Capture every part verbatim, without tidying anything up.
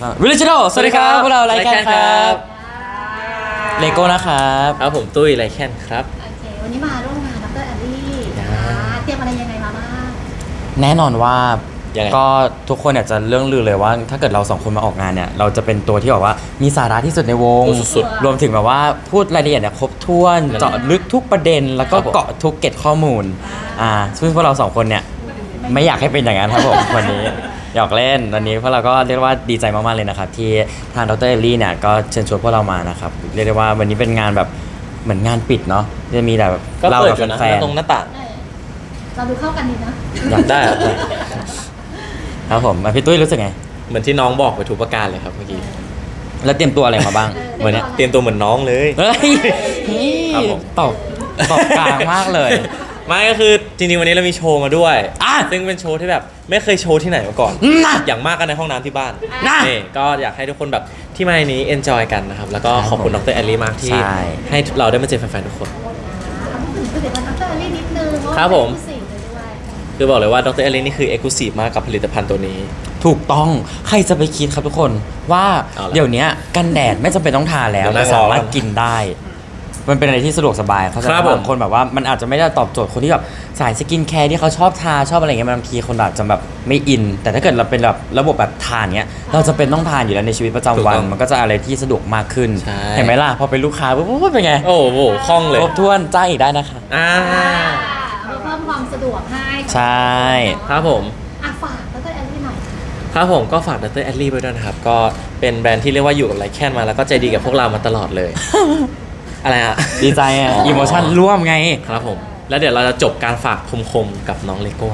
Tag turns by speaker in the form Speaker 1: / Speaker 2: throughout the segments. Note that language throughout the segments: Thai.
Speaker 1: วิลเลจโนสวัสดีครับพวกเราไลแคนครับเลโก้นะครับ
Speaker 2: ครับผมตุ้ยไลแคนครับ
Speaker 3: โอเควันนี้มาร่วมงานดรแอลลี่เตรียมอะไรยังไงมาบ้าง
Speaker 1: แน่นอนว่าก็ทุกคนอยากจะเรื่องลือเลยว่าถ้าเกิดเราสองคนมาออกงานเนี่ยเราจะเป็นตัวที่แบบว่ามีสาระที่สุดในวง
Speaker 2: สุด
Speaker 1: รวมถึงแบบว่าพูดรายละเอียดเนี่ยครบถ้วนเจาะลึกทุกประเด็นแล้วก็เกาะทุกเก็ตข้อมูลอ่าซึ่งพวกเราสองคนเนี่ยไม่อยากให้เป็นอย่างนั้นครับผมวันนี้หยอกเล่นวันนี้พวกเราก็เรียกว่าดีใจมากๆเลยนะครับที่ทางดรเอลลี่เนี่ยก็เชิญชวนพวกเรามานะครับเรียกได้ว่าวันนี้เป็นงานแบบเหมือนงานปิดเนาะจะมีแต่แบบ
Speaker 2: เรากับแฟนตรงหน้าต่าง
Speaker 3: เราดูเข้ากันดีนะ
Speaker 2: อยากได้
Speaker 1: ครับผมพี่ตุ้ยรู้สึกไง
Speaker 2: เหมือนที่น้องบอกไปทุกประการเลยครับเมื่อกี้
Speaker 1: แล้วเตรียมตัวอะไรมาบ้าง
Speaker 2: เหมือนเตรียมตัวเหมือนน้องเลย
Speaker 1: เฮ้ยตอบตอบกลางมากเลย
Speaker 2: ไม่ก็คือจริงๆวันนี้เรามีโชว์มาด้วยซึ่งเป็นโชว์ที่แบบไม่เคยโชว์ที่ไหนมาก่อนอย่างมากกันในห้องน้ำที่บ้านนี่ก็อยากให้ทุกคนแบบที่มาในนี้ enjoy กันนะครับแล้วก็ขอบคุณดรแอลลี่มากที่ให้เราได้มาเจอแฟนๆทุกคน
Speaker 3: พูดถึงผลิตภัณฑ์ดรแอลลี่นิดนึง
Speaker 2: ครับผมคือบอกเลยว่าดรแอลลี่นี่คือ exclusive มากกับผลิตภัณฑ์ตัวนี้
Speaker 1: ถูกต้องใครจะไปคิดครับทุกคนว่าเดี๋ยวนี้กันแดดไม่จำเป็นต้องทาแล้วเราสามารถกินได้มันเป็นอะไรที่สะดวกสบายเขาจะบางคนแบบว่ามันอาจจะไม่ได้ตอบโจทย์คนที่แบบสายสกินแคร์ที่เขาชอบทาชอบอะไรเงี้ยบางทีคนอาจจะแบบไม่อินแต่ถ้าเกิดเราเป็นแบบระบบแบบทานเนี้ยเราจะเป็นต้องทานอยู่แล้วในชีวิตประจำวันมันก็จะอะไรที่สะดวกมากขึ้นเห็นไหมล่ะพอเป็นลูกค้าปุ๊บเป็นไง
Speaker 2: โอ้โหคล่องเลย
Speaker 1: ครบถ้วนจ้างอีกได้นะคะ
Speaker 2: อ่า
Speaker 3: เพิ่มความสะดวกให้
Speaker 1: ใช่
Speaker 2: ครับผม
Speaker 3: อ่ะฝากดรแอลลี่หน่อย
Speaker 2: ครับผมก็ฝากดรแอลลี่ไว้ด้วยนะครับก็เป็นแบรนด์ที่เรียกว่าอยู่กับไลแคนมาแล้วก็ใจดีกับพวกเรามาตลอดเลยอะไรอะ
Speaker 1: ดีใจอะอิโมชั่นร่วมไง
Speaker 2: ครับผมแล้วเดี๋ยวเราจะจบการฝากคมๆกับน้องเลโก้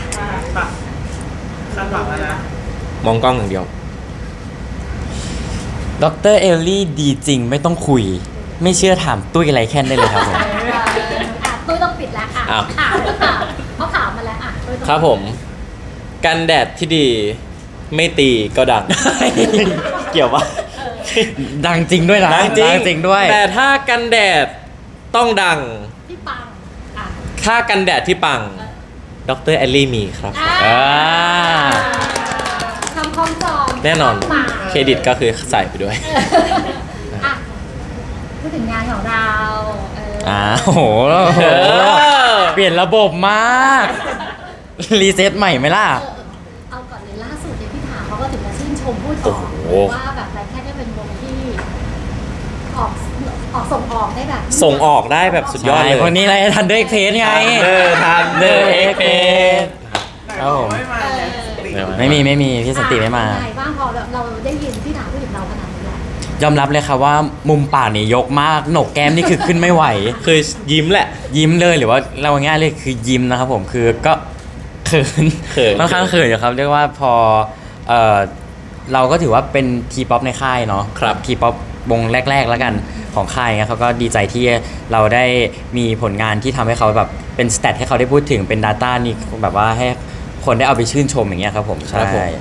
Speaker 2: มองกล้องอย่างเดียว
Speaker 1: ดรเอลลี่ดีจริงไม่ต้องคุยไม่เชื่อถามตุ้ยไลแคนได้เลยครับผม
Speaker 3: ตุ้ยต้องปิดแล้วอ่ะถามเขาถามมาแล้วอ่ะ
Speaker 2: ครับผมกันแดดที่ดีไม่ตีก็ดังเกี่ยวปะ
Speaker 1: ดังจริงด้วยนะ
Speaker 2: ดังจริง
Speaker 1: จริงด้วย
Speaker 2: แต่ถ้ากันแดดต้องดัง
Speaker 3: ที่ปัง
Speaker 2: ถ้ากันแดดที่ปังดรแอลลี่มีครับ
Speaker 3: คำคล้องจอง
Speaker 2: แน่นอนเครดิตก็คือใส่ไปด้วย
Speaker 3: พูดถึงงานของเรา
Speaker 1: อ้าโหเปลี่ยนระบบมากรีเซ็ตใหม่ไหมล่ะ
Speaker 3: เอาก่อนเลยล่าสุดเนี่ยพี่ถามเขาก็ถึงมาชื่นชมพูดต่อว่าแบบไรแค่ได้เป็นวงที่ออกออกส่งออกได้แบบ
Speaker 2: ส่งออกได้แบบสุดยอดเลย
Speaker 1: คนนี้อะไรทันเดอร์เอ็กเพสไง
Speaker 2: เออทันเดอร์เอ็กเพส
Speaker 1: ครับผมไม่มีไม่มีพี่สันติไม่มา
Speaker 3: ไงบ้างพอเราได้ยินพี่ถามพูดถึงเราขนาดนี้แล้ว
Speaker 1: ยอมรับเลยค่ะว่ามุมปากนี่ยกมากโหนกแก้มนี่คือขึ้นไม่ไหว
Speaker 2: คือยิ้มแหละ
Speaker 1: ยิ้มเลยหรือว่าเราง่ายเลยคือยิ้มนะครับผมคือก็เขินค่อนข้างเขินอยู่ครับเรียกว่าพอเออเราก็ถือว่าเป็นทีป๊อปในค่ายเนาะ
Speaker 2: ครับ
Speaker 1: ทีป๊อปวงแรกๆแล้วกันของค่ายเงี้ยเขาก็ดีใจที่เราได้มีผลงานที่ทำให้เขาแบบเป็นสแตทให้เขาได้พูดถึงเป็น Data นี่แบบว่าให้คนได้เอาไปชื่นชมอย่างเงี้ยครับผมใช่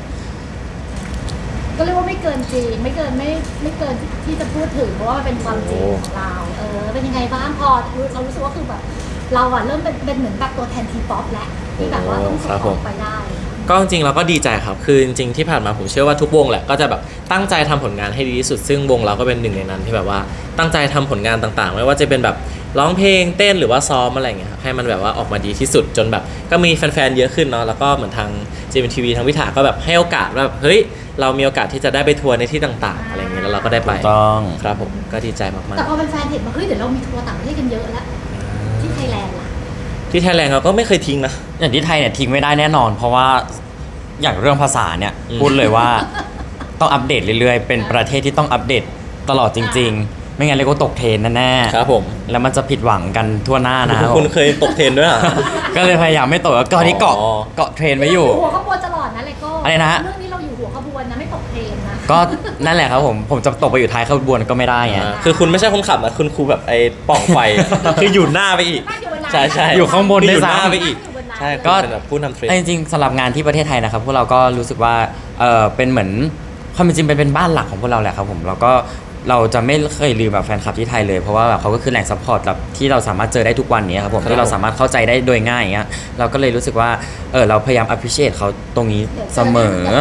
Speaker 3: ก็เรียกว่าไม่เกินจริงไม่เกินไม่ไม่เกินที่จะพูดถึงเพราะว่ามันเป็นความจริงของเราเออเป็นยังไงบ้างพอเรารู้สึกว่าคือแบบเราอะเริ่มเป็นเป็นเหมือนแบบตัวแทนทีป๊อปแล้วที่แบบว่าต้องส่งออกไปได้
Speaker 2: ก็จริงๆเราก็ดีใจครับคือจริงๆที่ผ่านมาผมเชื่อว่าทุกวงแหละก็จะแบบตั้งใจทำผลงานให้ดีที่สุดซึ่งวงเราก็เป็นหนึ่งในนั้นที่แบบว่าตั้งใจทำผลงานต่างๆไม่ว่าจะเป็นแบบร้องเพลงเต้นหรือว่าซ้อมอะไรอย่างเงี้ยครับให้มันแบบว่าออกมาดีที่สุดจนแบบก็มีแฟนๆเยอะขึ้นเนาะแล้วก็เหมือนทาง เจ เอ็ม ที วี ทางวิถาก็แบบให้โอกาสแบบเฮ้ยเรามีโอกาสที่จะได้ไปทัวร์ในที่ต่างๆอะไรอย่างเงี้ยแล้วเราก็ได้ไป
Speaker 1: ต้อง
Speaker 2: ครับผมก็ดีใจมากๆ
Speaker 3: แต่พอเป็นแฟนเห็นว่าเฮ้ยเดี๋ยวเรามีทัวร์ต่างประเทศกันเยอะแล้วที่ไทยแลนด์ล่ะ
Speaker 2: ที่ไทยแลนด์เราก็ไม่เคยทิ้งนะ
Speaker 1: อย่างที่ไทยเนี่ยทิ้งไม่ได้แน่นอนเพราะว่าอย่างเรื่องภาษาเนี่ยพูดเลยว่าต้องอัปเดตเรื่อยๆเป็นประเทศที่ต้องอัปเดตตลอดจริงๆไม่งั้นเลยก็ตกเทรนแน่
Speaker 2: ๆครับผม
Speaker 1: แล้วมันจะผิดหวังกันทั่วหน้านะ
Speaker 2: คุณเคยตกเทรนด้วยอ่ะ
Speaker 1: ก็เลยพยายามไม่ตกก็ที่เกาะเกาะเทรนไว้อยู่
Speaker 3: หัวขบวนตลอดนะเลยก็
Speaker 1: อะไรนะ
Speaker 3: เรื่องนี้เราอยู่หัวขบวนนะไม่ตกเทรนนะ
Speaker 1: ก็นั่นแหละครับผมผมจะตกไปอยู่ท้ายขบวนก็ไม่ได้ไง
Speaker 2: คือคุณไม่ใช่คนขับนะคุณครูแบบไอ้ป่องไฟคืออยู่หน้าไปอีกใช่ใช่
Speaker 1: อยู่ข้างบนได้ซ้
Speaker 2: ำไปอีกใช่ก็เป็นแบบผู้นำเทรน
Speaker 1: จริงๆสำหรับงานที่ประเทศไทยนะครับพวกเราก็รู้สึกว่าเออเป็นเหมือนความจริงเป็นเป็นบ้านหลักของพวกเราแหละครับผมแล้วก็เราจะไม่เคยลืมแบบแฟนคลับที่ไทยเลยเพราะว่าแบบเขาก็คือแหล่งซัพพอร์ตแบบที่เราสามารถเจอได้ทุกวันนี้ครับผมที่เราสามารถเข้าใจได้โดยง่ายอย่างเงี้ยเราก็เลยรู้สึกว่าเออเราพยายาม appreciate เขาตรงนี้เสมอ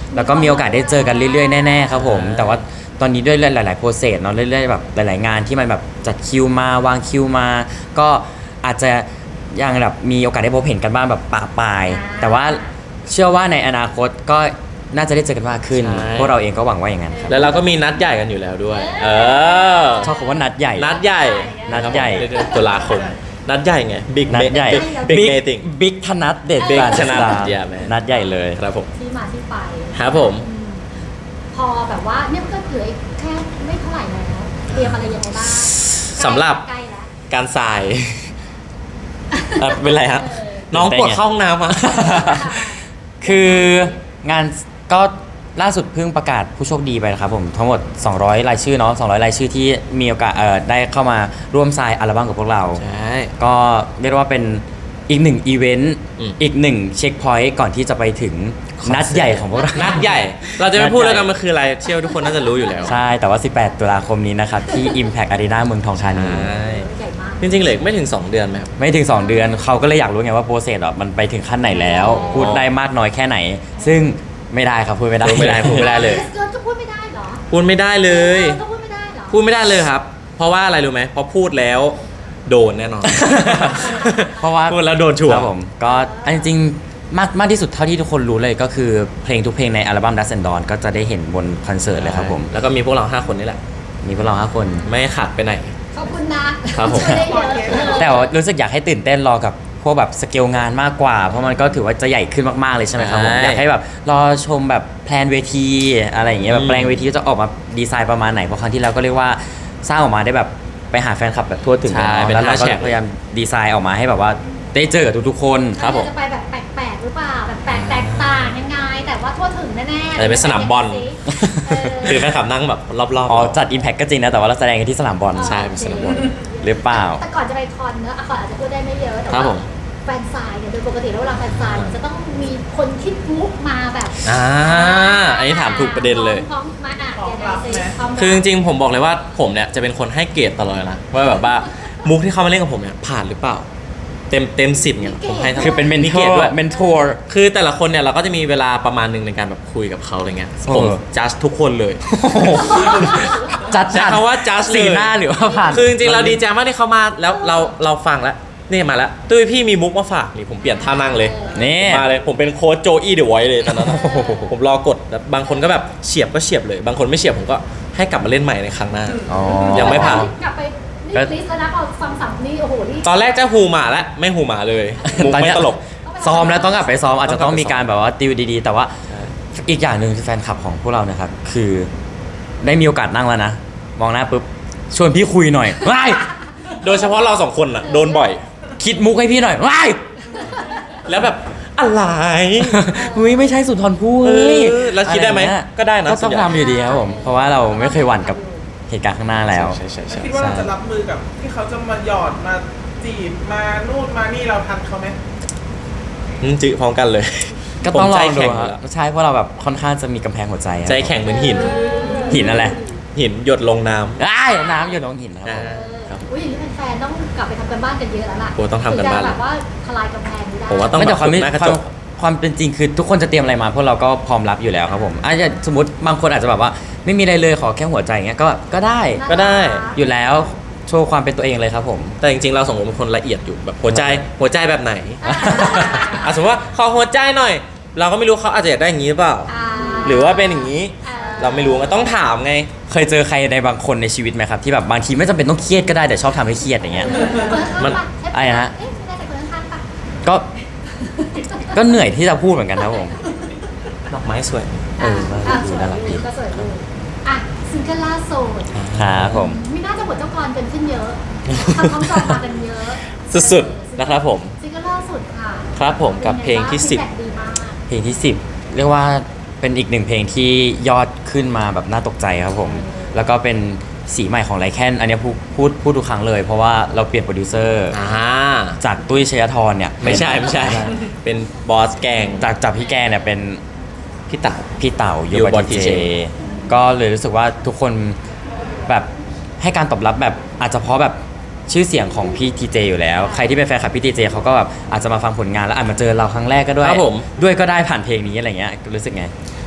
Speaker 1: แล้วก็มีโอกาสได้เจอกันเรื่อยๆแน่ๆครับผมแต่ว่าตอนนี้ด้วยหลายๆโปรเซสเนาะเรื่อยๆแบบหลายๆงานที่มันแบบจัดคิวมาวางคิวมา ก็อาจจะยังแบบมีโอกาสได้พบเห็นกันบ้างแบบปะปาย แต่ว่าเชื่อว่าในอนาคตก็น่าจะได้เจอกันมากขึ้น
Speaker 2: ใช่
Speaker 1: พวกเราเองก็หวังว่าอย่างนั้นครับ
Speaker 2: แล้วเราก็มีนัดใหญ่กันอยู่แล้วด้วย เออ
Speaker 1: ชอบคำว่านัดใหญ่
Speaker 2: นัดใหญ่
Speaker 1: นัดใหญ่
Speaker 2: เดือนตุลาคม นัดใหญ่ไง Big
Speaker 1: นัดใหญ่
Speaker 2: Big Big Meeting
Speaker 1: บิ๊กธนัดเด็ด
Speaker 2: Big
Speaker 1: บาน
Speaker 2: ธนัด
Speaker 1: สตาร์
Speaker 2: yeah man
Speaker 1: นัดใหญ่เลย
Speaker 2: ครับผม
Speaker 3: ที่มาที่ไป
Speaker 2: ครับผม
Speaker 3: อืมพอแบบว่าเนี่ยมันก็เหลืออีกแค่ไม่เท่าไหร่แล้วเตรียมอะไรยังไงบ้าง
Speaker 2: สำหรับ
Speaker 3: ใกล้แล้ว
Speaker 2: การทรายเอ่อเป็นไรฮะ น้องปวดเข้าห้องน้ำอ่ะ
Speaker 1: คืองานก็ล่าสุดเพิ่งประกาศผู้โชคดีไปนะครับผมทั้งหมดสองร้อยรายชื่อเนาะสองร้อยรายชื่อที่มีโอกาสเอ่อได้เข้ามาร่วมทรายอัลบั้มกับพวกเรา
Speaker 2: ใช่
Speaker 1: ก็เรียกว่าเป็นอีกหนึ่งอีเวนต์
Speaker 2: อืม
Speaker 1: อีกหนึ่งเช็คพอยต์ก่อนที่จะไปถึงนัดใหญ่ของพวกเรา
Speaker 2: นัดใหญ่ เราจะไม่พูดแล้วกันมันคืออะไร เชื่อว่าทุกคนน่าจะรู้อยู่แล้ว
Speaker 1: ใช่แต่ว่า สิบแปด ตุลาคมนี้นะครับ ที่ Impact Arena เมืองทองธานี
Speaker 2: ใช่
Speaker 3: ใหญ่มาก
Speaker 2: จริงๆเหลือไม่ถึง สอง เดือนไหมครับ
Speaker 1: ไม่ถึง สอง เดือนเขาก็เลยอยากรู้ไงว่าโปรเซสอ่ะมันไปถึงขั้นไหนแล้ว พูดได้มากน้อยแค่ไหน ซึ่งไม่ได้ครับพูดไม่ได้
Speaker 2: พูดไม่ได้พูดไม่ได้เลย
Speaker 3: เกินก็พูดไม่ได้เหรอ
Speaker 2: พูดไม่ได้เลย
Speaker 3: ก็พูดไม่ได้เหรอ
Speaker 2: พูดไม่ได้เลยครับ เพราะว่าอะไรรู้ไหมเพราะพูดแล้วโดนแน่นอน
Speaker 1: เพราะว่า
Speaker 2: พูดแล้วโดนชัวร์
Speaker 1: ครับผมก็อันจริงๆมากมากที่สุดเท่าที่ทุกคนรู้เลยก็คือเพลงทุกเพลงในอัลบั้ม Dust and Dawn ก็จะได้เห็นบนคอนเสิร์ตเลยครับผม
Speaker 2: แล้วก็มีพวกเราห้าคนนี่แหละ
Speaker 1: มีพวกเราห้าคน
Speaker 2: ไม่ขาดไปไหน
Speaker 3: ขอบคุณนะครับ
Speaker 2: ผม
Speaker 3: ช่วยได้เยอะ
Speaker 1: แต่ว่ารู้สึกอยากให้ตื่นเต้นรอกับพวกแบบสเกลงานมากกว่า เพราะมันก็ถือว่าจะใหญ่ขึ้นมากๆเลยใช่ไหมครับผม
Speaker 2: ใช่
Speaker 1: อยากให้แบบรอชมแบบแพลนเวทีอะไรอย่างเงี้ยแบบ
Speaker 2: อืม
Speaker 1: แปลงเวทีจะออกมาดีไซน์ประมาณไหนเพราะครั้งที่แล้วก็เรียกว่าสร้างออกมาได้แบบไปหาแฟนคลับแบบทั่วถึง
Speaker 2: ใช่
Speaker 1: อะ
Speaker 2: เป็น
Speaker 1: แล้วเรา
Speaker 2: ห้า
Speaker 1: ก็
Speaker 2: แฉก
Speaker 1: พยายามดีไซน์ออกมาให้แบบว่าได้เจอกับทุกๆคน
Speaker 2: ครับผม
Speaker 3: จะไปแบบแปลกๆหรือเปล่าแบบแปลกแตกต่างยังไง แต่ว่าทั่วถึงแน่ๆ
Speaker 2: อาจจะเป็นสนามบอล
Speaker 3: เออ
Speaker 2: คือแฟนคลับนั่งแบบรอบๆ
Speaker 1: อ๋อจัด Impact ก็จริงนะแต่ว่าเราแสดงกันที่สนามบอล
Speaker 2: ใช่เป็นสนามบอล
Speaker 1: หรือเปล่า
Speaker 3: แต่ก่อนจะไปคอนเนอะอ่ะก่อนอาจจะพูดได้ไม่เยอะแต่
Speaker 2: ครับ
Speaker 3: ว่า
Speaker 2: ผม
Speaker 3: แฟนซายเนี่ยโดยปกติแล้วเวลาแฟนซายมันจะต้องมีคนคิดมุกมาแบบ
Speaker 2: อ่าอันนี้ถามถูกประเด็นเลย
Speaker 3: พร้อมๆมาอ่ะยังไงสิพร้มรับ
Speaker 2: คือจริงๆผมบอกเลยว่าผมเนี่ยจะเป็นคนให้เกรดตลอดเลยนะว่าแบบว่ามุกที่เขามาเล่นกับผมเนี่ยผ่านหรือเปล่า เต็มเต็มสิบเนี่ยผมให้ทั้ง
Speaker 1: คือเป็นเมน
Speaker 2: มี
Speaker 1: เท
Speaker 2: เก
Speaker 1: อ
Speaker 2: รด
Speaker 1: ร์
Speaker 2: ด้วย
Speaker 1: เมนทอร์
Speaker 2: คือแต่ละคนเนี่ยเราก็จะมีเวลาประมาณหนึ่งในการแบบคุยกับเขาอะไรเงี้ยผม
Speaker 1: เออ
Speaker 2: จัดทุกคนเลย
Speaker 1: จัด
Speaker 2: ใช้คำว่า just
Speaker 1: สี
Speaker 2: เลย
Speaker 1: หน้าหรือว่าผ่าน
Speaker 2: คือจริงๆเราดีใจมากที่เขามาแล้วเราเราฟังแล้วนี่มาแล้วตุ้ยพี่มีมุกมาฝากนี่ผมเปลี่ยนท่านั่งเลย
Speaker 1: นี่
Speaker 2: มาเลยผมเป็นโค้ชโจอี้เดอะไวท์เลยตอนนั้นอะผมรอกดแล้วบางคนก็แบบเฉียบก็เฉียบเลย บางคนไม่เฉียบผมก็ให้กลับมาเล่นใหม่ในครั้งหน้า
Speaker 1: อ๋อ
Speaker 2: ยังไม่ผ่าน
Speaker 3: กลับไปนี่ลิสต์แล้วนะพอฟังสัมนี่โอ้โหนี่
Speaker 2: ตอนแรกจะหูหมาแล้วไม่หูหมาเลยมุก
Speaker 1: ตอน
Speaker 2: ไม่
Speaker 1: เนี้ย
Speaker 2: ตลก
Speaker 1: ซ้อมแล้วต้องกลับไปซ้อมอาจจะต้องมี
Speaker 2: ต้องกลับไปซ้อม
Speaker 1: การแบบว่าติวดีๆ แต่ว่าอีกอย่างหนึ่งคือแฟนคลับของพวกเรานะครับคือได้มีโอกาสนั่งแล้วนะ มองหน้าปุ๊บชวนพี่คุยหน่อยว้าย
Speaker 2: โดยเฉพาะเราสองคนอ่ะโดนบ่อย
Speaker 1: คิดมุกให้พี่หน่อยว้าย
Speaker 2: แล้วแบบอะไร
Speaker 1: เฮ้ยไม่ใช่สุนทรภู่
Speaker 2: เอ
Speaker 1: เฮ้ย
Speaker 2: อแล้วคิดได้ไหม
Speaker 1: อะรเงี้ย
Speaker 2: ก็ได้นะ
Speaker 1: ก็
Speaker 2: ส่
Speaker 1: ต้
Speaker 2: ว
Speaker 1: อน ง
Speaker 2: ใหญ่
Speaker 1: ทำอยู่ดีครับผมเพราะว่าเราไม่เคยหวั่นกับเหตุการณ์ข้างหน้าแล้ว
Speaker 2: ใช่ใช่ใช่
Speaker 4: คิดว่าเราจะรับมือกับที่เขาจะมาหยอดมาจีบมานู่นมานี่เราทันเขาไหม
Speaker 2: อืมจื้อพร้อมกันเลย
Speaker 1: ก็ต้องลอง
Speaker 2: ผมใจ
Speaker 1: ดู
Speaker 2: แข็ง
Speaker 1: ค
Speaker 2: อ
Speaker 1: รั
Speaker 2: ยู่แล้ว
Speaker 1: บใช่เพราะเราแบบค่อนข้างจะมีกำแพงหัวใจอะ
Speaker 2: ใจแข็งเหมือนหิน
Speaker 1: หินอะไร
Speaker 2: หินหยดลงน้ำ
Speaker 1: อ้ายน้ำอยู่ตรงหินครับ
Speaker 2: อ่า
Speaker 1: ผม
Speaker 2: ครับ
Speaker 3: อุ้ยอย่างนี้แฟนๆต้องกลับไปทำกันบ้านกันเยอะแล้วล่ะ
Speaker 2: โอ้ต้องทำกันบ้าน
Speaker 3: คือจะแบบว่าทลายกำแพงนี้ได้
Speaker 2: ผมว่าต้อง
Speaker 1: ไม่
Speaker 2: แบ
Speaker 1: แต่
Speaker 2: บ
Speaker 1: ความ
Speaker 2: ฝึก
Speaker 1: ไม่
Speaker 2: หน้ากระ
Speaker 1: ควา
Speaker 2: จ
Speaker 1: ม
Speaker 2: ก
Speaker 1: ความเป็นจริงคือทุกคนจะเตรียมอะไรมาพวกเราก็พร้อมรับอยู่แล้วครับผมอาจจะสมมติบางคนอาจจะแบบว่าไม่มีอะไรเลยขอแค่หัวใจอย่างเงี้ยก็ก็ได้
Speaker 2: ก็ได้
Speaker 1: อยู่แล้วโชว์ความเป็นตัวเองเลยครับผม
Speaker 2: แต่จริงๆเราสองคนเป็นคนละเอียดอยู่แบบหัวใจหัวใจแบบไหน
Speaker 3: อ่า
Speaker 2: อ่ะสมมติว่าขอหัวใจหน่อย เราก็ไม่รู้เขาอาจจะอยากได้อย่างนี้หรือเปล่า
Speaker 3: อ่า
Speaker 2: หรือว่าเป็นอย่างนี้
Speaker 3: อ่
Speaker 2: เราไม่รู้ก็ต้องถามไง
Speaker 1: เคยเจอใครในบางคนในชีวิตไหมครับที่แบบบางทีไม่จำเป็นต้องเครียดก็ได้แต่ชอบทำให้เครียดอย่างเงี้ย
Speaker 2: มัน
Speaker 1: อะไรนะ
Speaker 3: เอ๊ะไม่ได้แต่คนข้างๆปะ
Speaker 1: ก็ก็เหนื่อยที่จะพูดเหมือนกันครับผม
Speaker 2: ดอกไม้สวย
Speaker 1: เออ
Speaker 3: อ่ะ
Speaker 1: น่า
Speaker 3: สวย
Speaker 1: น่ารักดี
Speaker 3: ดีก็สวยดีอ่ะซิงเกิลล่าสุด
Speaker 1: ครับผม
Speaker 3: มีน่าจะบทเจ้ากรกันขึ้นเยอะทำคำสอบมากันเยอะ
Speaker 2: สุดๆนะครับผม
Speaker 3: ซิงเกิลล่าสุดค่ะ
Speaker 2: ครับผมกับเพลงที่สิบ
Speaker 3: ฟีดแบ็กดีมาก
Speaker 1: เพลงที่สิบเรียกว่าเป็นอีกหนึ่งเพลงที่ยอดขึ้นมาแบบน่าตกใจครับผม แล้วก็เป็นสีใหม่ของไลแคนอันเนี้ยพูดพูดพูดทุกครั้งเลย เพราะว่าเราเปลี่ยนโปรดิวเซอร์
Speaker 2: อ่า
Speaker 1: จากตุ้ยชยธรเนี่ย
Speaker 2: ไม่ใช่ไม่ใช่ เป็นบอสแกง
Speaker 1: จากจากพี่แกเนี่ยเป็น
Speaker 2: พี่เต๋า
Speaker 1: พี่เต่าโย
Speaker 2: โย
Speaker 1: บ
Speaker 2: บ
Speaker 1: อ
Speaker 2: อ
Speaker 1: ที
Speaker 2: ที
Speaker 1: เจ
Speaker 2: เจ
Speaker 1: ก็เลยรู้สึกว่าทุกคนแบบให้การตอบรับแบบอาจจะเพราะแบบชื่อเสียงของพี่ทีเจอยู่แล้ว ใครที่เป็นแฟนคลับพี่ทีเจเขาก็แบบอาจจะมาฟังผลงานแล้วอาจมาเจอเราครั้งแรกก็ด้วย
Speaker 2: ครับผม
Speaker 1: ด้วยก็ได้ผ่านเพลงนี้อะไรเงี้ยรู้สึกไง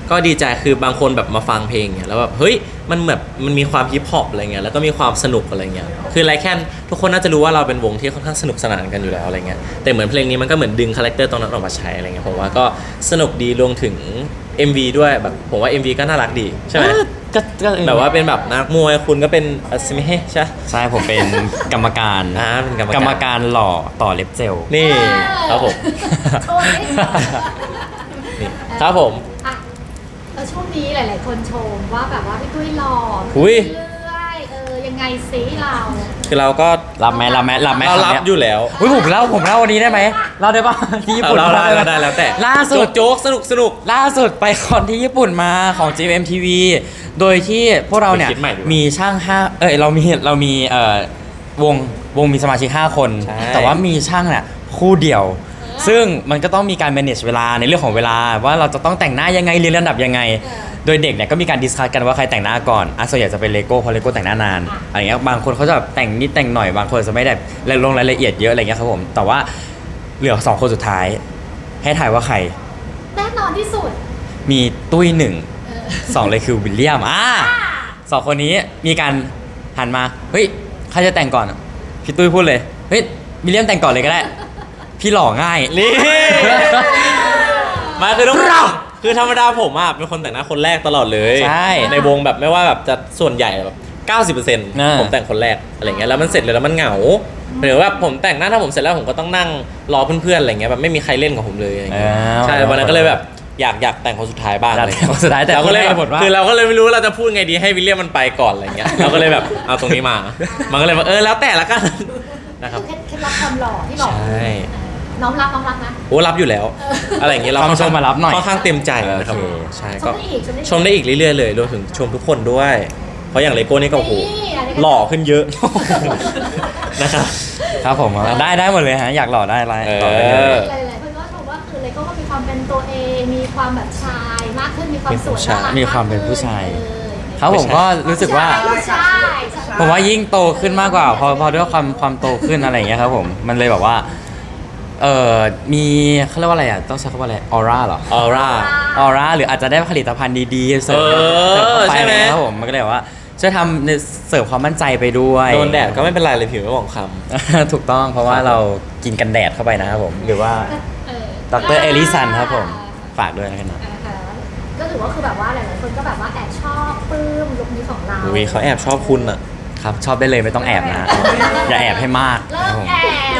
Speaker 2: ก็ดีใจคือบางคนแบบมาฟังเพลงเนี่ยแล้วแบบเฮ้ยมันแบบมันมีความฮิปฮอปอะไรเงี้ยแล้วก็มีความสนุกอะไรเงี้ยคือไรแค่ทุกคนน่าจะรู้ว่าเราเป็นวงที่ค่อนข้างสนุกสนานกันอยู่แล้วอะไรเงี้ยแต่เหมือนเพลงนี้มันก็เหมือนดึงคาแรคเตอร์ตรงนั้นออกมาใช้อะไรเงี้ยผมว่าก็สนุกดีรวมถึง เอ็ม วี ด้วยแบบผมว่า เอ็ม วี ก็น่ารักดีใช่ไหม
Speaker 1: ก็ก็
Speaker 2: แบบว่าเป็นแบบนักมวยคุณก็เป็นอัศมิเฮใช่
Speaker 1: ใช่ผมเป็นกรรมการ
Speaker 2: อ่าเป็นกรรมการ
Speaker 1: กรรมการหล่อต่อเล็บเจล
Speaker 2: นี่ครับผม
Speaker 3: โชว์ดิ
Speaker 2: นี่ครับผม
Speaker 3: อ่ะแล้วช่วงนี้หลาย ๆ คนชมว่าแบบว่าพี่ตุ้ยหล่อ
Speaker 2: อุ๊ย
Speaker 3: เรื่อยๆเออยังไงซิเรา
Speaker 2: คือเราก็
Speaker 1: รับไหมรับไหมรับไหม
Speaker 2: เรารับ
Speaker 1: คำนี้
Speaker 2: อยู่แล้ว
Speaker 1: อุ้ยผมเล่าผมเล่าวันนี้ได้ไหมเล่าได้ปะที่ญี่ปุ่น
Speaker 2: เราได้เราได้แล้วแต่
Speaker 1: ล่าสุด
Speaker 2: โจ๊กๆสนุกสนุก
Speaker 1: ล่าสุดไปคอนที่ญี่ปุ่นมาของ จี เอ็ม ที วี โดยที่พวกเราเนี่ย
Speaker 2: ไปคิดใหม่ดีกว่า
Speaker 1: มีช่างห้าเอ้ยเรามีเรามีเอ่อวงวงมีสมาชิกห้าคน
Speaker 2: ใช่
Speaker 1: แต่ว่ามีช่างเนี่ยคู่เดียว ซึ่งมันก็ต้องมีการ manage เวลาในเรื่องของเวลาว่าเราจะต้องแต่งหน้ายังไงเรียนระดับยังไง โดยเด็กเนี่ยก็มีการดิสคัสกันว่าใครแต่งหน้าก่อนอ่ะส่วนใหญ่จะเป็นเลโก้เพราะเลโก้แต่งหน้านานอะไรเงี้ยบางคนเขาจะแบบแต่งนิดแต่งหน่อยบางคนจะไม่ได้ลงรายละเอียดเยอะอะไรเงี้ยครับผมแต่ว่าเหลือสองคนสุดท้าย ให้ถ่ายว่าใคร
Speaker 3: แน่นอนที่สุด
Speaker 1: มีตุ้ยหนึ่ง
Speaker 3: เออ
Speaker 1: สองเลยคือวิลเลียมอ่าสองคนนี้มีการหันมาเฮ้ยใครจะแต่งก่อนพี่ตุ้ยพูดเลยเฮ้ยวิลเลียมแต่งก่อนเลยก็ได้ พี่หล่อง่าย
Speaker 2: นี่ มาคือต้องคือธรรมดาผมอ่ะเป็นคนแต่งหน้าคนแรกตลอดเลย
Speaker 1: ใช่
Speaker 2: ในวงแบบไม่ว่าแบบจะส่วนใหญ่แบบเก้าสิบเปอร์เซ็นต์
Speaker 1: อ่า
Speaker 2: ผมแต่งคนแรกอะไรเงี้ยแล้วมันเสร็จเลยแล้วมันเหงาหรือว่าผมแต่งหน้าถ้าผมเสร็จแล้วผมก็ต้องนั่งรอเพื่อนๆอะไรเงี้ยแบบไม่มีใครเล่นกับผมเลยอะไรเงี้ย
Speaker 1: อ่า
Speaker 2: ใช่วันนั้นก็เลยแบบอยากอยากแต่งคนสุดท้ายบ้าง
Speaker 1: อยาก
Speaker 2: อะไร
Speaker 1: แต่งคนสุดท้ายแต่
Speaker 2: เราก็เลย
Speaker 1: คนแรกหมดว่า
Speaker 2: คือเราก็เลยไม่รู้ว่าเราจะพูดไงดีให้วิลเลียมมันไปก่อนอะไรเงี้ยเราก็เลยแบบเอาตรงนี้มา มันก็เลยแบบเออแล้วแต่ละกันนะครับ
Speaker 3: คือเคล็ดลับความหล่อที่หล่อ
Speaker 2: ใช่
Speaker 3: เออน้อมรับน้อมรับนะ
Speaker 2: โอ้รับอยู่แล้ว อะไรอย่างเงี้ยเรา
Speaker 1: ความชมมารับหน่อย
Speaker 2: ค่อนข้างเต็มใจนะครับ
Speaker 1: โอเค
Speaker 2: ใช่
Speaker 3: ช
Speaker 2: ก็
Speaker 3: มได้อีกชมได้อีก
Speaker 2: ชมได้อีกเรื่อยๆเลยรวมถึงชมทุกคนด้วย เพราะอย่างเลโก้นี่ก็โอ้โห
Speaker 3: นี่ะไรกัน
Speaker 2: หล่อขึ้นเยอะ นะครับ
Speaker 1: ครับผมได้ได้หมดเลยฮะอยากหล่อได้ไร
Speaker 2: เออ
Speaker 1: หล่อได้เลย
Speaker 3: หลายๆคนก็ชมว่าคือเลโก้ก็มีความเป็นตัวเองมีความแบบชายมากขึ้นมีความสวยน่ารัก
Speaker 1: มีความเป็นผู้ชาย
Speaker 3: เออ
Speaker 1: ครับผมก็รู้สึกว่า
Speaker 3: ใช่
Speaker 1: ผมว่ายิ่งโตขึ้นมากกว่าพอพอด้วยความความโตขึ้นอะไรอย่างเงี้ยครับผมมันเลยแบบว่าเออมีเขาเรียกว่าอะไรอ่ะต้องใช้คำว่าอะไรออร่าเหรอ
Speaker 2: ออร่า
Speaker 1: ออร่าหรืออาจจะได้ผลิตภัณฑ์ดีๆเสริม
Speaker 2: เออ
Speaker 1: เสริมเข้าไป
Speaker 2: ใช่ไหม
Speaker 1: นะครับผมมันก็เลยแบบว่าช่วยทำในเสริมความมั่นใจไปด้วย
Speaker 2: โดนแดดก็ไม่เป็นไรเลยผิวไม่หมองคล้
Speaker 1: ถูกต้องเพราะว่า
Speaker 2: ครับ
Speaker 1: เรากินกันแดดเข้าไปนะครับผมหรือว่า
Speaker 3: เออ
Speaker 1: ดรเอลิสันครับผมฝากด้วยนะครับ
Speaker 3: อ่าฮะก็ถือว่าคือแบบว่าหลายๆคนก็แบบว่าแอบชอบปลื้มลุคนี้ของเรา
Speaker 2: ำวีเขาแอบชอบคุณอ่ะ
Speaker 1: ครับชอบได้เลยไม่ต้องแอบนะฮะอย่าแอบให้มาก
Speaker 3: เลิ
Speaker 1: ครับ
Speaker 3: ก
Speaker 1: ผม
Speaker 3: แอบ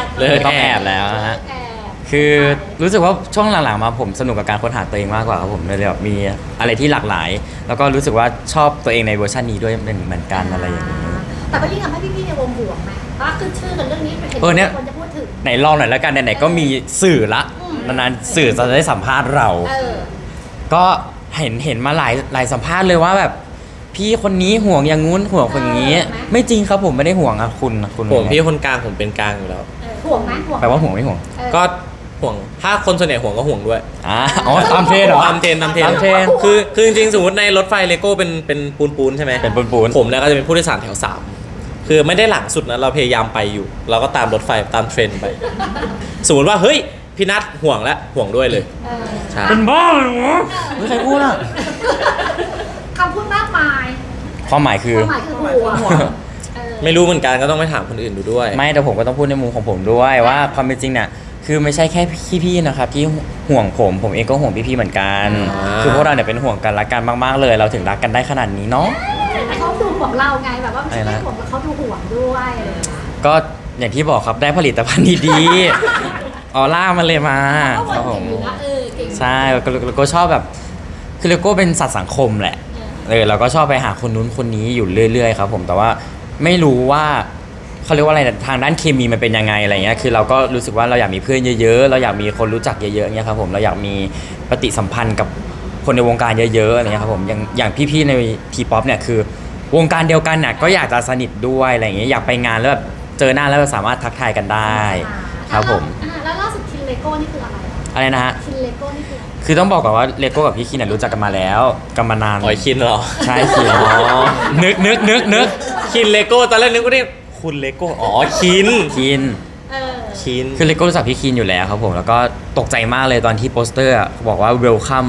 Speaker 2: เลิก
Speaker 1: ไม่ต้องแอบแล้วนะฮะ
Speaker 3: เลิกแอบ
Speaker 1: คือรู้สึกว่าช่วงหลังๆมาผมสนุกกับการค้นหาตัวเองมากกว่าครับผมเลยแบบมีอะไรที่หลากหลาย แล้วก็รู้สึกว่าชอบตัวเองในเวอร์ชันนี้ด้วยเหมือนกันอะไรอย่างนี้
Speaker 3: แต่ก็ยิ่งทำให้พี่ๆในวงห่วงไหมว่าขึ้นชื่อกันเรื่องนี้เห็น
Speaker 1: เออเนี่ย
Speaker 3: คนจะพูดถึง
Speaker 1: ไหนลองหน่อยแล้วกันไหนๆก็มีสื่อละ
Speaker 3: อืม
Speaker 1: นานๆสื่อจะได้สัมภาษณ์เรา
Speaker 3: เออ
Speaker 1: ก็เห็นเห็นมาหลายหลายสัมภาษณ์เลยว่าแบบพี่คนนี้ห่วงอย่างงู้นห่วงคนนี้ ไม่จริงครับผมไม่ได้ห่วงอะคุณคุณ
Speaker 2: ผมพี่คนกลางผมเป็นกลางอยู่แล้ว
Speaker 3: เออห่วงไหมห่วงไหม
Speaker 1: แปลว่าห่วงไม่ห่วง
Speaker 3: เออ
Speaker 2: ก็ห่วงถ้าคนส่วนใหญ่ห่วงก็ห่วงด้วย
Speaker 1: อ่าอ๋อตามเทรนด์เหรอ
Speaker 2: ตามเทรนตามเทรน
Speaker 1: ตามเทรน
Speaker 2: คือคือจริงๆสมมติในรถไฟเลโก้เป็นเป็นปูนปูนๆใช่ไหม
Speaker 1: เป็นปูนๆ
Speaker 2: ผมเนี่ยก็จะเป็นผู้โดยสารแถวสามคือไม่ได้หลังสุดนะเราพยายามไปอยู่ เราก็ตามรถไฟตามเทรนไป สมมติว่าเฮ้ยพี่นัทห่วงแล้วห่วงด้วยเลย
Speaker 3: เออ
Speaker 2: ใช่
Speaker 1: เป็นบ้าเหรอไม่ใครพูดอะ
Speaker 3: คำพูดมากมาย
Speaker 1: ความหมายคือ
Speaker 3: ความหมายคือห่วงเออ
Speaker 2: ไม่รู้เหมือนกันก็ต้องไปถามคนอื่นดูด้วย
Speaker 1: ไม่แต่ผมก็ต้องพูดในมุมของผมด้วยว่าความเป็นจริงเนี่ยคือไม่ใช่แค่พี่ๆนะครับที่ห่วงผมผมเองก็ห่วงพี่ๆเหมือนกัน
Speaker 2: อ่า
Speaker 1: คือพวกเราเนี่ยเป็นห่วงกันรักกันมากๆเลย เราถึงรักกันได้ขนาดนี้เนาะ
Speaker 3: แต่เขาดูห่วงเราไงแบบว่าไม่ใช่
Speaker 1: อะไรนะ
Speaker 3: แค่ห่วงแต่เขาดูห่วงด้วยอะไรอย่างเงี้ย
Speaker 1: ก็อย่างที่บอกครับได้ผลิตภัณฑ์ดีๆ ออร่ามันเลยมา
Speaker 3: เขา
Speaker 1: ครับ
Speaker 3: ห่
Speaker 1: ผ
Speaker 3: วง
Speaker 1: ม
Speaker 3: อยู่นะเออเก่ง
Speaker 1: ใช่แล้วก็แล้วก็ชอบแบบคือเลโก้เป็นสัตว์สังคมแหละเออเราก็ชอบไปหาคนนู้นคนนี้อยู่เรื่อยๆครับผมแต่ว่าไม่รู้ว่าเขาเรียกว่าอะไรนะทางด้านเคมีมันเป็นยังไงอะไรเงี้ยคือเราก็รู้สึกว่าเราอยากมีเพื่อนเยอะๆเราอยากมีคนรู้จักเยอะๆเงี้ยครับผมเราอยากมีปฏิสัมพันธ์กับคนในวงการเยอะๆอะไรเงี้ยครับผมอย่างอย่างพี่ๆในทีป๊อปเนี่ยคือวงการเดียวกันน่ะก็อยากจะสนิทด้วยอะไรเงี้ยอยากไปงานแล้วแบบเจอหน้าแล้วสามารถทักทายกันได้ครับผม
Speaker 3: อ่าแล้วล่าสุดคินเลโก้นี่คืออะไร
Speaker 1: อะไรนะฮะ
Speaker 3: คินเลโก้นี่คืออะไร
Speaker 1: คือต้องบอกก่อนว่าเลโก้กับพี่คินเนยรู้จักกันมาแล้วกันมานาน
Speaker 2: อ๋อยคินเหรอ
Speaker 1: ใช่คิน
Speaker 2: อ๋อ
Speaker 1: นึกนึกนึกนึก
Speaker 2: คินเลโก้ตอนแรกนึกว่าเรียกคุณเลโก้อ๋อคิน
Speaker 1: คิน
Speaker 3: เออ
Speaker 2: คิน
Speaker 1: คือเลโก้รู้จักพี่คินอยู่แล้วครับผมแล้วก็ตกใจมากเลยตอนที่โปสเตอร์อะบอกว่า welcome to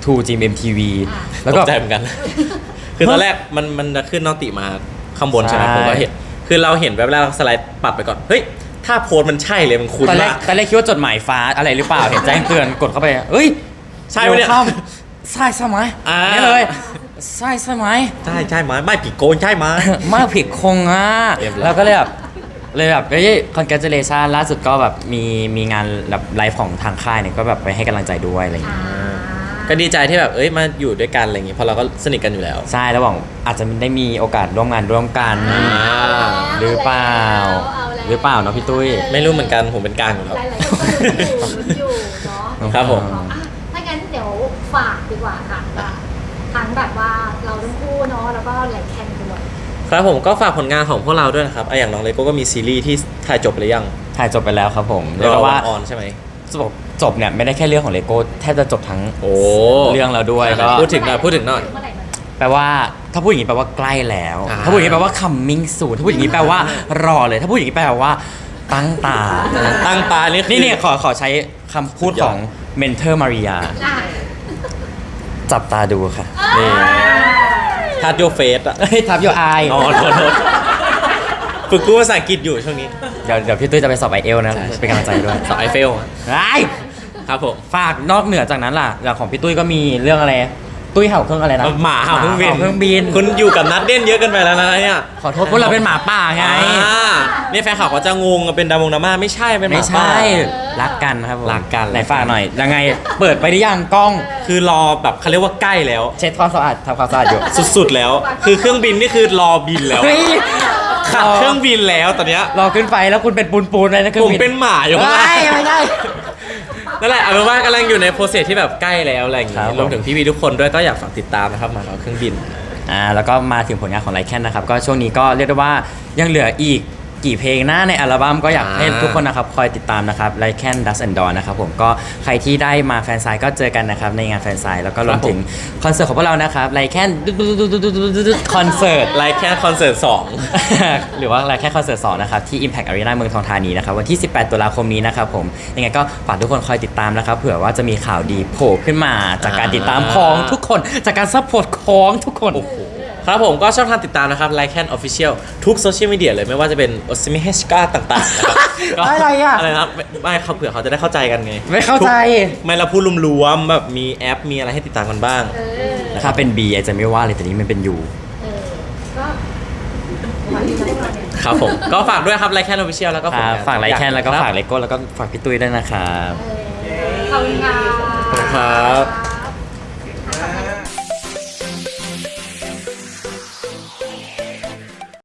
Speaker 1: ทู จี เอ็ม ที วี
Speaker 3: อ่า
Speaker 1: แล้ว
Speaker 2: ต
Speaker 1: ก็
Speaker 2: กใจเหมือน กัน คือตอนแรกมันมันจะขึ้นนอติมาข้างบนใช่ไหม
Speaker 1: ใช่
Speaker 2: ผมก็เห็น คือเราเห็นแบบแรกเราสไลด์ปัดไปก่อน เฮ้ย ถ้าโพสต์มันใช่เลยมันคุ้น
Speaker 1: ตอนแรก
Speaker 2: มาก
Speaker 1: ตอนแรกคิดว่าจดหมายฟ้าอะไรหรือเปล่า เห็นแจ้งเตือนกดเข้าไปเอ้ย
Speaker 2: ใช่ไหมเนี่ย
Speaker 1: ข้ามใช่ใช่ไหม
Speaker 2: อ่า
Speaker 1: นี่เลยใช่ใช่ไหม
Speaker 2: ใช่ใช่ไหมไม่ผิดโกนใช่ไหม
Speaker 1: มากผิดคงอ่ะ
Speaker 2: เรียบร้อย
Speaker 1: แล้วก็เลยแบบเลยแบบเฮ้ย congratulation ล่าสุดก็แบบมีมีงานแบบไลฟ์ของทางค่ายเนี่ยก็แบบไปให้กำลังใจด้วยอะไรอย่างเงี้ย
Speaker 2: ก็ดีใจที่แบบเอ้ยมาอยู่ด้วยกันอะไรอย่างงี้เพราะเราก็สนิทกันอยู่แล้ว
Speaker 1: ใช่แล้วหวังอาจจะได้มีโอกาสร่วมงานร่วมกัน
Speaker 2: อ่า
Speaker 1: หรือเปล่า หรือเปล่าเนาะพี่ตุ้ย
Speaker 2: ไม่รู้เหมือนกันผมเป็นกลางอยู่แล้ว
Speaker 3: หลายๆคนก็ลุ้นอยู่ลุ้นอยู่เนาะ
Speaker 2: ครับผม
Speaker 3: อ่ะถ้างั้นเดี๋ยวฝากดีกว่าค่ะว่าทั้งแบบว่าเราทั้งคู่เนาะแล้วก็ไหลแคนด้วย
Speaker 2: ครับผมก็ฝากผลงานของพวกเราด้วยนะครับอ่ะอย่างน้องเลโก้ก็มีซีรีส์ที่ถ่ายจบไปหรือยัง
Speaker 1: ถ่ายจบไปแล้วครับผม
Speaker 2: ร
Speaker 1: เรียก
Speaker 2: อ
Speaker 1: ว่า
Speaker 2: วันออนใช่ไหม
Speaker 1: จบจบเนี่ยไม่ได้แค่เรื่องของเลโก้แทบจะจบทั้ง
Speaker 2: โอ้
Speaker 1: เรื่องแล้วด้วยก็
Speaker 2: พูดถึงหน่อยพูดถึงหน่อย
Speaker 3: เมื่อไหร่มัน
Speaker 1: แปลว่าถ้าพูดอย่างนี้แปลว่าใกล้แล้ว
Speaker 2: อ่า
Speaker 1: ถ้าพูดอย่างนี้แปลว่า coming soon ถ้าพูดอย่างนี้แปลว่ารอเลย ถ้าพูดอย่างนี้แปลว่าตั้งตา
Speaker 2: ตั้งตานี่คือ
Speaker 1: นี่เนี่ยขอขอใช้คำพูดของเมนเทอร์มาริยา
Speaker 3: อ่ะ
Speaker 1: จับตาดูค่ะ
Speaker 2: นี่ ทัดโยเฟสอะ
Speaker 1: เฮ้ยทับโยไอ
Speaker 2: อ๋อโทษโทษฝึกพูดภาษาอังกฤษอยู่ช่วงนี้
Speaker 1: เดี๋ยวเดี๋ยวพี่ตุ้ยจะไปสอบไอเอลนะ
Speaker 2: ใช่
Speaker 1: เป็นกำลังใจด้วย
Speaker 2: สอบไอเฟลอะ
Speaker 1: ไอ้
Speaker 2: ครับผม
Speaker 1: ฝากนอกเหนือจากนั้นล่ะอย่างของพี่ตุ้ยก็มีเรื่องอะไร ตุ้ยเห่าเครื่องอะไรนะ
Speaker 2: หมาเห่าเครื่องบิน
Speaker 1: หมาเห่าเครื่องบิน
Speaker 2: คุณอยู่กับนัดเด่นเยอะเกินไปแล้วนะเนี่ย
Speaker 1: ขอโทษพวกเราเป็นหมาป่าไง
Speaker 2: อ่านี่แฟนข่าวเขาจะงงเป็นดามงดราม่าไม่ใช่เป็นห
Speaker 1: ไม่
Speaker 2: มา
Speaker 1: ใช่
Speaker 2: ป่า
Speaker 1: รักกันครับผม
Speaker 2: รักกัน
Speaker 1: ไหนฝากหน่อย ยังไง เปิดไปหรือยังกล้อง
Speaker 2: คือรอแบบเขาเรียกว่าใกล้แล้ว
Speaker 1: เช็ดความสะอาดทำความสะอาดอยู่
Speaker 2: สุดๆแล้ว คือเครื่องบินนี่คือรอบินแล้ว
Speaker 1: เฮ้ย
Speaker 2: ขับเครื่องบินแล้วตอนเนี้ย
Speaker 1: รอขึ้นไปแล้วคุณเป็นปูนปูนๆเลยนะเครื่อ
Speaker 2: ผ
Speaker 1: ง
Speaker 2: ม
Speaker 1: บิน
Speaker 2: เป็นหมาอยู่ข้างล่าง
Speaker 1: เฮ้ยไม่ได้
Speaker 2: นั่นแหละเอาเป็นว่ากำลังอยู่ในโปรเซสที่แบบใกล้แล้วอะไรอย่าง
Speaker 1: ครั
Speaker 2: งี้
Speaker 1: บผม
Speaker 2: รวมถึงพี่วีทุกคนด้วยก็อยากฝากติดตามนะครับหมาเราเครื่องบิน
Speaker 1: อ่าแล้วก็มาถึงผลงานของไลแคนนะครับก็ช่วงนี้ก็เรียกได้ว่ายังเหลืออีกกี่เพลงหน้าในอัลบั้มก็อยากให้
Speaker 2: อ่า
Speaker 1: ทุกคนนะครับคอยติดตามนะครับไลแคนดัสแอนด์ดอนนะครับผมก็ใครที่ได้มาแฟนไซน์ก็เจอกันนะครับในงานแฟนไซน์แล้วก็รวมถึงคอนเสิร์ตของพวกเรานะครับไลแคนคอนเสิร์ต
Speaker 2: ไลค์แค่คอนเสิร์ตสอง
Speaker 1: หรือว่าอะไรแค่คอนเสิร์ตสองนะครับที่ Impact Arena เมืองทองธานีนะครับวันที่ สิบแปด ตุลาคมนี้นะครับผมยังไงก็ฝากทุกคนคอยติดตามนะครับเผื่อว่าจะมีข่าวดีโผล่ขึ้นมา จากการติดตามของทุกคนจากการซัพพอร์ตของทุกคน
Speaker 2: ครับผมก็ช่องทางติดตามนะครับไลค์แคนออฟฟิเชียลทุกโซเชียลมีเดียเลยไม่ว่าจะเป็นโอซิมิเฮชกาต่างๆนะครับก็
Speaker 1: อะไรอะ
Speaker 2: อะไรนะครับไม่ไม่เขาเผื่อเขาจะได้เข้าใจกันไง
Speaker 1: ไม่เข้าใจ
Speaker 2: ทุกไม่เราพูดรวมๆแบบมีแอปมีอะไรให้ติดตามกันบ้าง
Speaker 3: เออ
Speaker 1: ถ้าเป็น B อาจจะไม่ว่าเลยแต่นี้มันเป็น U
Speaker 3: เออก็วันนี้เราเนี่ย
Speaker 2: ครับผม ก็ฝากด้วยครับไลค์แคนออฟฟิเชียลแล้วก็
Speaker 1: ค
Speaker 2: ผล
Speaker 1: รับ
Speaker 2: งาน
Speaker 1: ฝากไลแคนแล้วก็
Speaker 2: รับ
Speaker 1: ฝากเลโก้แล้วก็ฝากพี่ตุ้ยด้วยนะครับ
Speaker 3: เออขอบคุณค่ะ
Speaker 2: ขอบคุณครับ